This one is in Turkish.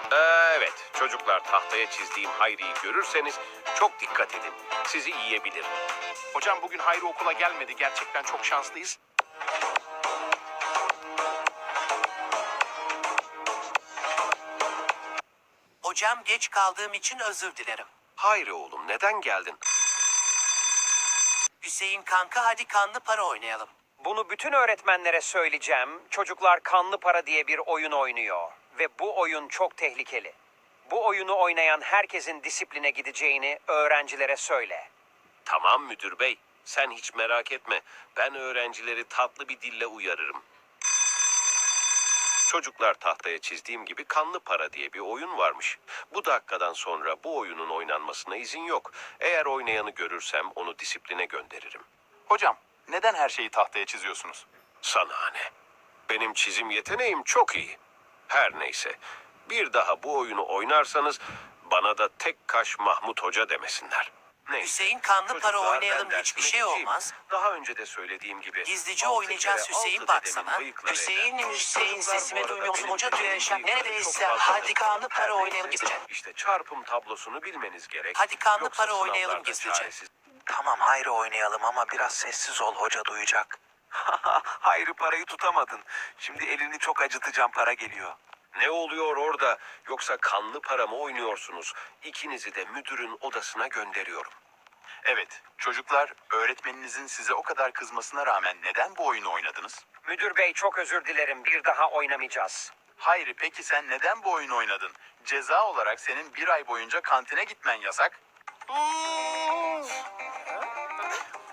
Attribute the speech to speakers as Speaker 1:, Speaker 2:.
Speaker 1: Evet, çocuklar tahtaya çizdiğim Hayri'yi görürseniz çok dikkat edin. Sizi yiyebilir.
Speaker 2: Hocam bugün Hayri okula gelmedi. Gerçekten çok şanslıyız.
Speaker 3: Hocam geç kaldığım için özür dilerim.
Speaker 1: Hayri oğlum neden geldin?
Speaker 3: Hüseyin kanka hadi kanlı para oynayalım.
Speaker 4: Bunu bütün öğretmenlere söyleyeceğim. Çocuklar kanlı para diye bir oyun oynuyor. Ve bu oyun çok tehlikeli. Bu oyunu oynayan herkesin disipline gideceğini öğrencilere söyle.
Speaker 1: Tamam müdür bey, sen hiç merak etme. Ben öğrencileri tatlı bir dille uyarırım. Çocuklar tahtaya çizdiğim gibi kanlı para diye bir oyun varmış. Bu dakikadan sonra bu oyunun oynanmasına izin yok. Eğer oynayanı görürsem onu disipline gönderirim.
Speaker 2: Hocam neden her şeyi tahtaya çiziyorsunuz?
Speaker 1: Sana ne? Benim çizim yeteneğim çok iyi. Her neyse, bir daha bu oyunu oynarsanız bana da tek kaş Mahmut Hoca demesinler. Neyse,
Speaker 3: Hüseyin kanlı para
Speaker 1: çocuklar,
Speaker 3: oynayalım
Speaker 1: ben
Speaker 3: hiçbir
Speaker 1: dersime
Speaker 3: şey
Speaker 1: gideceğim.
Speaker 3: olmaz.
Speaker 1: Daha önce de söylediğim gibi.
Speaker 3: Gizlice
Speaker 1: 6
Speaker 3: oynayacağız
Speaker 1: kere
Speaker 3: Hüseyin
Speaker 1: 6
Speaker 3: baksana.
Speaker 1: dedemin bıyıkları
Speaker 3: Hüseyin
Speaker 1: eder.
Speaker 3: Hüseyin
Speaker 1: Çocuklar
Speaker 3: sesimi
Speaker 1: bu arada
Speaker 3: duymuyor musun
Speaker 1: benim
Speaker 3: hoca
Speaker 1: dediğim
Speaker 3: duyacak.
Speaker 1: bıyıkları
Speaker 3: Neredeyse
Speaker 1: çok fazla
Speaker 3: hadi kanlı para
Speaker 1: Her
Speaker 3: oynayalım
Speaker 1: neyse,
Speaker 3: gizlice.
Speaker 1: İşte çarpım tablosunu bilmeniz gerek.
Speaker 3: Hadi kanlı
Speaker 1: Yoksa
Speaker 3: para oynayalım
Speaker 1: sınavlarda
Speaker 3: gizlice.
Speaker 1: çaresiz.
Speaker 5: Tamam Hayri oynayalım ama biraz sessiz ol, hoca duyacak. Hayri parayı tutamadın. Şimdi elini çok acıtacağım, para geliyor.
Speaker 1: Ne oluyor orada? Yoksa kanlı para mı oynuyorsunuz? İkinizi de müdürün odasına gönderiyorum.
Speaker 2: Evet, çocuklar öğretmeninizin size o kadar kızmasına rağmen neden bu oyunu oynadınız?
Speaker 4: Müdür bey çok özür dilerim. Bir daha oynamayacağız.
Speaker 2: Hayri peki sen neden bu oyunu oynadın? Ceza olarak senin 1 ay boyunca kantine gitmen yasak.